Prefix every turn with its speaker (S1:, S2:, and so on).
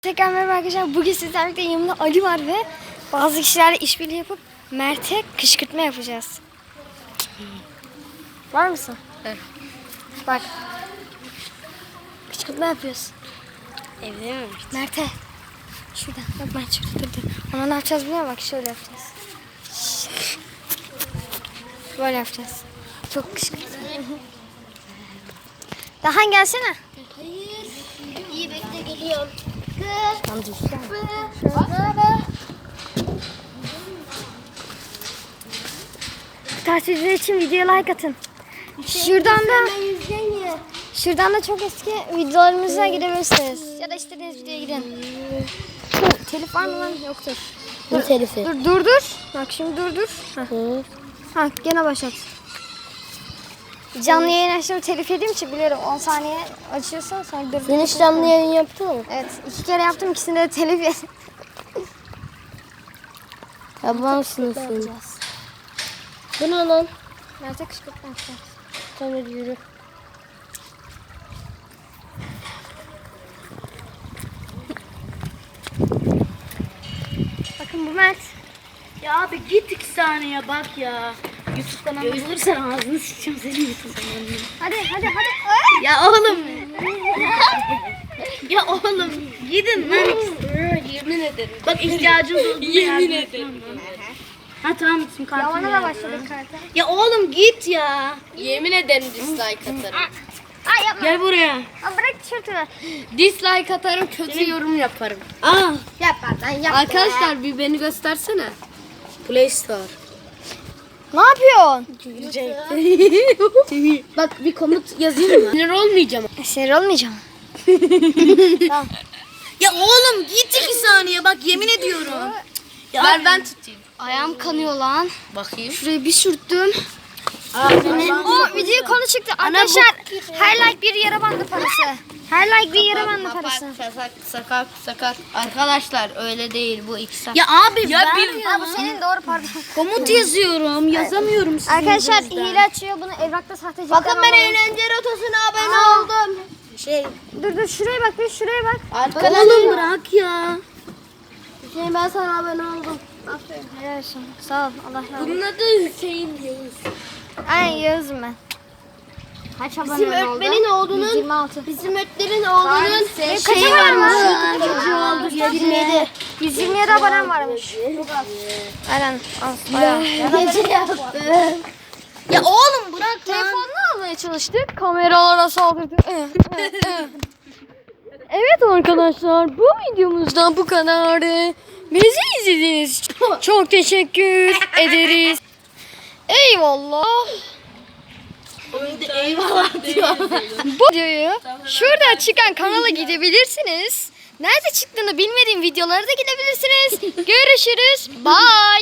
S1: Tekrar merhaba arkadaşlar. Bugün sizlerle birlikte yanımda Ali var ve bazı kişilerle işbirliği yapıp Mert'e kışkırtma yapacağız. Var mısın?
S2: Evet.
S1: Bak. Kışkırtma yapıyoruz.
S2: Evde mi?
S1: Mert'e. Şuradan. Bak Mert şurada durdu. Ama ne yapacağız biliyor musun? Bak şöyle yapacağız. Böyle yapacağız. Çok kışkırtma. Daha gelsene.
S2: Hayır. İyi bekle geliyorum.
S1: Tamam dur. Takipçiler için videoya like atın. Şuradan da çok eski videolarımıza gidebilirsiniz. Ya da istediğiniz videoya gidin. Telif var mı lan? Yoktur.
S2: Ne telifi?
S1: Dur. Bak şimdi dur. Ha gene başlat. Canlı yayın açtığımı telif yediğim için biliyorum 10 saniye açıyorsan sonra dur.
S2: Sen hiç canlı yayın yaptın mı?
S1: Evet 2 kere yaptım, ikisinde de telif yedim.
S2: Yaban sınıfın. Bu ne lan?
S1: Mert'e kışkırtma yapacağız.
S2: Tamam hadi yürü.
S1: Bakın bu Mert.
S3: Ya abi git 2 saniye bak ya. YouTube kanalı görürsen ağzını sıçacağım senin YouTube kanalını.
S1: Hadi.
S3: Ya oğlum. Ya oğlum gidin lan.
S2: Yemin ederim.
S3: Bak ihtiyacınız olduğunda
S2: Yemin
S3: yardım
S2: ederim.
S3: Ha tamam bizim kartım.
S1: Yavana da başladık karta.
S3: Ya oğlum git ya.
S2: Yemin ederim dislike atarım.
S1: Ay yapma.
S3: Gel buraya.
S1: Aa, bırak tişörtünü.
S2: Dislike atarım, kötü yorum yaparım.
S3: Aa.
S1: Yapma lan yapma.
S2: Arkadaşlar bir beni göstersene. Play Store.
S1: Ne yapıyorsun?
S2: Bak bir komut yazayım mı? Sinir olmayacağım.
S1: Sinir olmayacağım.
S3: Ya oğlum git 2 saniye bak yemin ediyorum. Ya
S2: Ver ben tutayım.
S1: Ayağım kanıyor lan.
S2: Bakayım.
S1: Şurayı bir sürttüm. O video konu çıktı. Arkadaşlar her like bir yara bandı parası. Her like bir yara bandı parası.
S2: Sakat. Arkadaşlar öyle değil bu 2 saat.
S3: Ya abi
S2: Ya
S3: ben
S2: bir-
S1: Ha, bu senin doğru pardon.
S3: komut yazıyorum yazamıyorum sizin
S1: Arkadaşlar
S3: yüzünüzden.
S1: hile açıyor bunu evrakta sahtecilikten
S2: Bakın ben
S1: alalım.
S2: eğlence rotosuna abone
S1: Aa.
S2: oldum.
S1: Dur şuraya bak bir şuraya bak.
S3: Oğlum bırak ya.
S2: Hüseyin ben sana abone oldum.
S1: Aferin. Helal olsun. Sağ ol. Allah razı olsun.
S2: Bunun adı Hüseyin Yavuz.
S1: Aynen Yağız'ım ben. Kaç
S2: Bizim
S1: abonen oldu?
S2: öğretmenin oğlunun
S1: 126.
S2: Bizim öğretmenin oğlunun
S1: Benim kaç abonem var?
S2: çocuğu oldu 27.
S1: 127 abonem varmış. Aynen. Al. Bayağı.
S2: Gece yaptım.
S3: Ya oğlum bırak lan.
S1: Telefonla almaya çalıştık. Kameralara saldırdı. Evet arkadaşlar bu videomuzda bu kadar. Bizi izlediğiniz için çok teşekkür ederiz. Eyvallah.
S3: Eyvallah diyor.
S1: Bu videoyu şurada çıkan kanala gidebilirsiniz. Nerede çıktığını bilmediğim videolara da gidebilirsiniz. Görüşürüz. Bye.